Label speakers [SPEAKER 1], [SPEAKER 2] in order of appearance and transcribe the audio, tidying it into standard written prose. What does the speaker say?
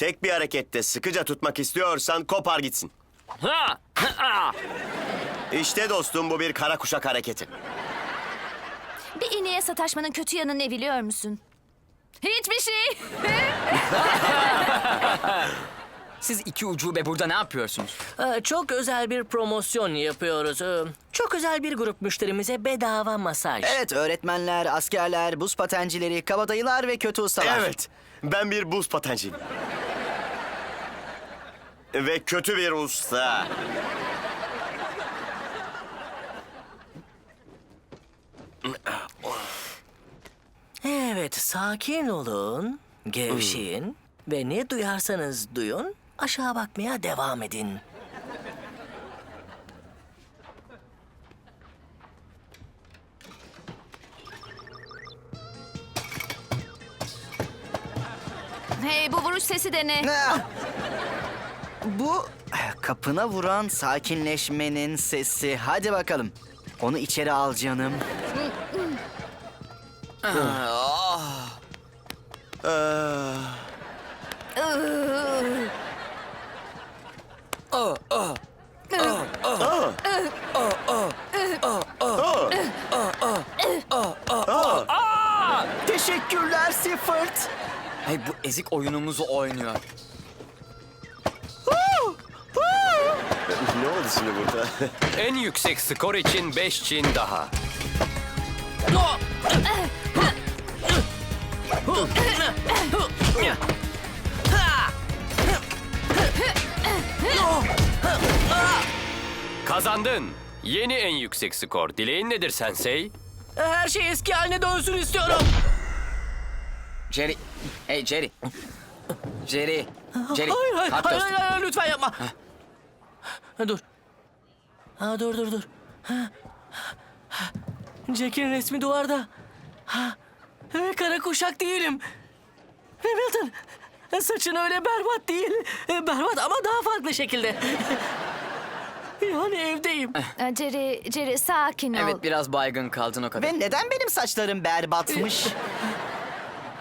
[SPEAKER 1] Tek bir harekette sıkıca tutmak istiyorsan kopar gitsin.
[SPEAKER 2] Ha! Ha!
[SPEAKER 1] İşte dostum bu bir kara kuşak hareketi.
[SPEAKER 3] Bir iğneye sataşmanın kötü yanı ne biliyor musun? Hiçbir şey.
[SPEAKER 2] Siz iki ucube burada ne yapıyorsunuz?
[SPEAKER 4] Çok özel bir promosyon yapıyoruz. Çok özel bir grup müşterimize bedava masaj.
[SPEAKER 5] Evet, öğretmenler, askerler, buz patencileri, kabadayılar ve kötü ustalar.
[SPEAKER 1] Evet, ben bir buz patenciyim. Ve kötü bir usta.
[SPEAKER 4] Evet, sakin olun, gevşeyin ve ne duyarsanız duyun, aşağı bakmaya devam edin.
[SPEAKER 3] Hey, bu vuruş sesi de ne?
[SPEAKER 5] Ah! Bu kapına vuran sakinleşmenin sesi. Hadi bakalım. Onu içeri al canım. Teşekkürler Siffert.
[SPEAKER 2] Hey, bu ezik oyunumuzu oynuyor.
[SPEAKER 1] Ne oldu şimdi burada?
[SPEAKER 6] En yüksek skor için 5 Çin daha. Kazandın. Yeni en yüksek skor. Dileğin nedir Sensei?
[SPEAKER 4] Her şey eski haline dönsün istiyorum.
[SPEAKER 2] Jerry. Hey Jerry. Jerry. Jerry.
[SPEAKER 4] Hayır, hayır,
[SPEAKER 2] kalk
[SPEAKER 4] hayır,
[SPEAKER 2] dostum.
[SPEAKER 4] hayır, lütfen yapma. Dur. Dur. Jack'in resmi duvarda. Ve kara kuşak değilim. Hamilton, saçın öyle berbat değil. Berbat ama daha farklı şekilde. Yani evdeyim.
[SPEAKER 3] Jerry, sakin ol.
[SPEAKER 2] Evet, biraz baygın kaldın o kadar.
[SPEAKER 5] Ve neden benim saçlarım berbatmış?